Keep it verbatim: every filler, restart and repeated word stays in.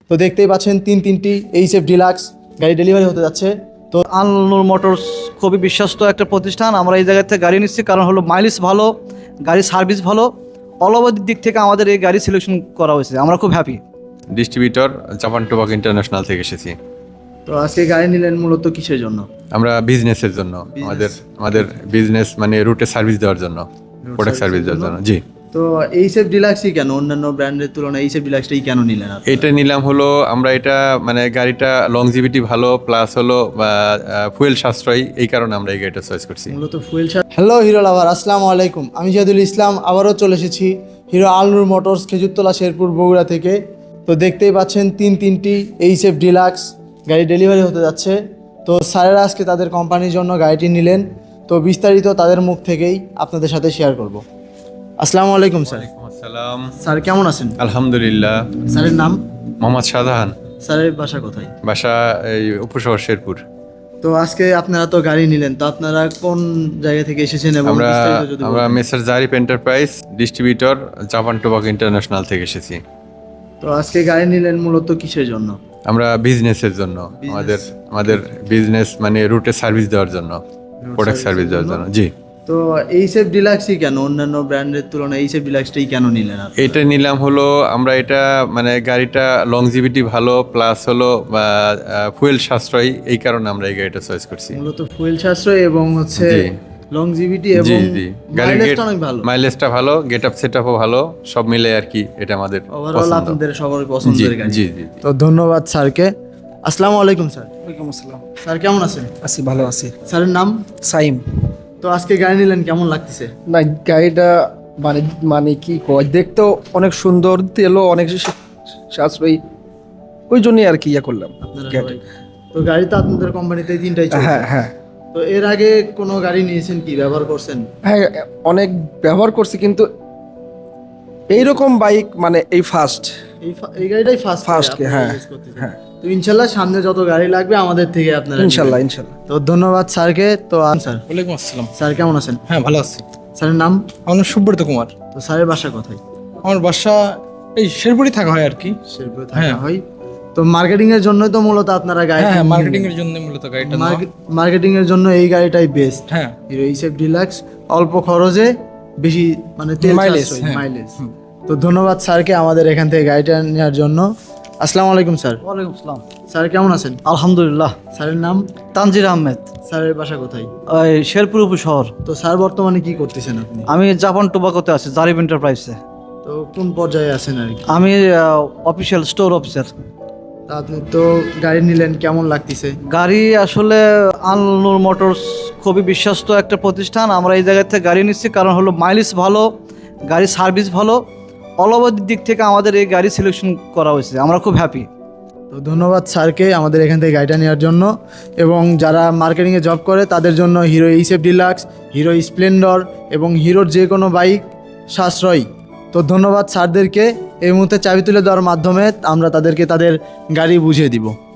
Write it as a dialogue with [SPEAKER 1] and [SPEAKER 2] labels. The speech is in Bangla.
[SPEAKER 1] তো দেখতেই পাচ্ছেন তিন তিনটি এইচএফ ডিলাক্স গাড়ি ডেলিভারি হতে যাচ্ছে। তো
[SPEAKER 2] আল-নূর মোটরস খুবই বিশ্বস্ত একটা প্রতিষ্ঠান। আমরা এই জায়গা থেকে গাড়ি নিচ্ছি কারণ হলো মাইলেজ ভালো, গাড়ির সার্ভিস ভালো, অল ওভার দিক থেকে আমাদের এই গাড়ি সিলেকশন করা হয়েছে। আমরা খুব happy.
[SPEAKER 3] Distributor Japan tobacco international থেকে এসেছি।
[SPEAKER 1] তো আজকে গাড়ি নিলেন মূলত কিসের জন্য?
[SPEAKER 3] আমরা বিজনেসের জন্য, আমাদের আমাদের বিজনেস মানে রুটে সার্ভিস দেওয়ার জন্য, প্রোডাক্ট সার্ভিস দেওয়ার জন্য। জি।
[SPEAKER 1] তো এইচএফ ডিলাক্সই কেন, অন্যান্য ব্র্যান্ডের তুলনায় এইচএফ ডিলাক্সটাই কেন নিলেন আপনি?
[SPEAKER 3] এটা নিলাম হলো আমরা এটা মানে গাড়িটা লংজিভিটি ভালো, প্লাস হলো ফুয়েল সাশ্রয়ী, এই কারণে আমরা এই গাড়িটা চয়েস করছি।
[SPEAKER 1] মূলত ফুয়েল। হ্যালো হিরো লাভার, আসসালামু আলাইকুম। আমি জিয়াদুল ইসলাম আবারও চলে এসেছি হিরো আল-নূর মোটরস খেজুরতলা শেরপুর বগুড়া থেকে। তো দেখতেই পাচ্ছেন তিন তিনটি এইচএফ ডিলাক্স গাড়ি ডেলিভারি হতে যাচ্ছে। তো স্যারেরা আজকে তাদের কোম্পানির জন্য গাড়িটি নিলেন। তো বিস্তারিত তাদের মুখ থেকেই আপনাদের সাথে শেয়ার করব। আসসালামু আলাইকুম স্যার।
[SPEAKER 3] আসসালাম।
[SPEAKER 1] স্যার কেমন আছেন?
[SPEAKER 3] আলহামদুলিল্লাহ।
[SPEAKER 1] স্যারের নাম?
[SPEAKER 3] মোহাম্মদ শাহজাহান।
[SPEAKER 1] স্যারের বাসা কোথায়?
[SPEAKER 3] বাসা এই উপশহর শেরপুর।
[SPEAKER 1] তো আজকে আপনারা তো গাড়ি নিলেন, তো আপনারা কোন জায়গা থেকে এসেছেন এবং
[SPEAKER 3] আমরা
[SPEAKER 1] বিস্তারিত যদি
[SPEAKER 3] আমরা
[SPEAKER 1] বলতেন।
[SPEAKER 3] Messrs Jarif enterprise, distributor Japan tobacco international থেকে এসেছি।
[SPEAKER 1] তো আজকে গাড়ি নিলেন মূলত কিসের জন্য?
[SPEAKER 3] আমরা বিজনেসের জন্য, আমাদের আমাদের বিজনেস মানে রুটে সার্ভিস দেওয়ার জন্য, প্রোডাক্ট সার্ভিস দেওয়ার জন্য। জি।
[SPEAKER 1] তো এইচএফ ডিলাক্সই কেন, অন্যান্য ব্র্যান্ডের তুলনায় এইচএফ ডিলাক্সটাই কেন নিলেন আপনি?
[SPEAKER 3] এটা নিলাম হলো আমরা এটা মানে গাড়িটা লংজিভিটি ভালো, প্লাস হলো ফুয়েল সাশ্রয়ী, এই কারণে আমরা এই গাড়িটা চয়েস করছি।
[SPEAKER 1] মূলত ফুয়েল সাশ্রয় এবং হচ্ছে
[SPEAKER 3] জি।
[SPEAKER 1] লংজিভিটি
[SPEAKER 3] জি
[SPEAKER 1] এবং
[SPEAKER 3] জি গাড়ির
[SPEAKER 1] মাইলেজটা অনেক ভালো।
[SPEAKER 3] মাইলেজটা ভালো, গেট আপ সেট আপও ভালো, সব মিলে আর কি এটা আমাদের
[SPEAKER 1] ওভারঅল
[SPEAKER 3] পছন্দ।
[SPEAKER 1] আপনাদের সবার
[SPEAKER 3] জি
[SPEAKER 1] পছন্দের গাড়ি।
[SPEAKER 3] জি জি।
[SPEAKER 1] তো ধন্যবাদ স্যারকে। আসসালামু আলাইকুম স্যার।
[SPEAKER 4] ওয়ালাইকুম আসসালাম।
[SPEAKER 1] স্যার কেমন আছেন?
[SPEAKER 4] আছি, ভালো আছি।
[SPEAKER 1] স্যারের নাম?
[SPEAKER 4] সাইম।
[SPEAKER 1] তো আজকে গাড়ি নিলেন, কেমন লাগতেছে?
[SPEAKER 4] না, গাড়িটা মানে মানে কি কয়, দেখতেও অনেক সুন্দর, তেলও অনেক সা- সাশ্রয়ী, ওই জন্যই আর কি ইয়ে করলাম।
[SPEAKER 1] আপনারা
[SPEAKER 4] গাড়ি।
[SPEAKER 1] সবাই- তো গাড়ি তো আপনাদের কোম্পানিতে তিনটাই চলছে।
[SPEAKER 4] হ্যাঁ হ্যাঁ
[SPEAKER 1] তো এর আগে কোনো গাড়ি নিয়েছেন কি, ব্যবহার করছেন?
[SPEAKER 4] হ্যাঁ, অনেক ব্যবহার করছি, কিন্তু এইরকম বাইক মানে এই ফার্স্ট।
[SPEAKER 1] এই ফা- এই গাড়িটাই ফার্স্ট
[SPEAKER 4] First, হ্যাঁ, হ্যাঁ।
[SPEAKER 1] তো ইনশাল্লাহ সামনে যত গাড়ি লাগবে আমাদের থেকে আপনারা
[SPEAKER 4] ইনশাল্লাহ
[SPEAKER 1] নিবেন।
[SPEAKER 4] ইনশাল্লাহ।
[SPEAKER 1] তো ধন্যবাদ স্যারকে। তো আন স্যার।
[SPEAKER 5] ওয়ালাইকুম আসসালাম।
[SPEAKER 1] স্যার কেমন আছেন?
[SPEAKER 5] হ্যাঁ, ভালো আছি।
[SPEAKER 1] স্যারের নাম?
[SPEAKER 5] আমার নাম সুব্রত কুমার।
[SPEAKER 1] তো স্যারের বাসা কোথায়?
[SPEAKER 5] আমার বাসা এই শেরপুরে থাকা হয় আর কি।
[SPEAKER 1] শেরপুরে থাকা
[SPEAKER 5] হ্যাঁ।
[SPEAKER 1] হয়। তো মার্কেটিং এর জন্য তো মূলত আপনারা গাড়ি
[SPEAKER 5] হ্যাঁ, মার্কেটিং এর জন্য মূলত গাড়িটা নেওয়া।
[SPEAKER 1] মার্কেটিং এর জন্য এই গাড়িটাই বেস্ট।
[SPEAKER 5] হ্যাঁ,
[SPEAKER 1] হিরো এইচএফ ডিলাক্স, অল্প খরচে বেশি মানে তেল
[SPEAKER 5] Mileage,
[SPEAKER 1] সাশ্রয়ী,
[SPEAKER 5] হ্যাঁ।
[SPEAKER 1] মাইলেজ। তো ধন্যবাদ স্যারকে আমাদের এখান থেকে গাড়িটা নেওয়ার জন্য। আসসালামু আলাইকুম স্যার।
[SPEAKER 2] ওয়ালাইকুম আসসালাম।
[SPEAKER 1] স্যার কেমন আছেন?
[SPEAKER 2] আলহামদুলিল্লাহ।
[SPEAKER 1] স্যারের নাম?
[SPEAKER 2] তানজির আহমেদ,
[SPEAKER 1] স্যারের বাসা কোথায়?
[SPEAKER 2] ওই শেরপুর উপশহর।
[SPEAKER 1] তো স্যার বর্তমানে কি করতেছেন আপনি?
[SPEAKER 2] আমি জাপান টোবাকোতে আছি, জারিফ এন্টারপ্রাইজে।
[SPEAKER 1] তো কোন পর্যায়ে আছেন আর কি?
[SPEAKER 2] আমি অফিসিয়াল স্টোর অফিসার।
[SPEAKER 1] তা আপনি তো গাড়ি নিলেন, কেমন লাগতেছে?
[SPEAKER 2] গাড়ি আসলে আল-নূর মোটরস খুবই বিশ্বস্ত একটা প্রতিষ্ঠান। আমরা এই জায়গা থেকে গাড়ি নিচ্ছি কারণ হলো মাইলেজ ভালো, গাড়ির সার্ভিস ভালো, অল ওভার দিক থেকে আমাদের এই গাড়ি সিলেকশন করা হয়েছে। আমরা খুব হ্যাপি।
[SPEAKER 1] তো ধন্যবাদ স্যারকে আমাদের এখান থেকে গাড়িটা নেওয়ার জন্য। এবং যারা মার্কেটিংয়ে জব করে তাদের জন্য Hero HF Deluxe, Hero Splendor এবং হিরোর যে কোনো বাইক সাশ্রয়ী। তো ধন্যবাদ স্যারদেরকে। এই মুহূর্তে চাবি তুলে দেওয়ার মাধ্যমে আমরা তাদেরকে তাদের গাড়ি বুঝিয়ে দিব।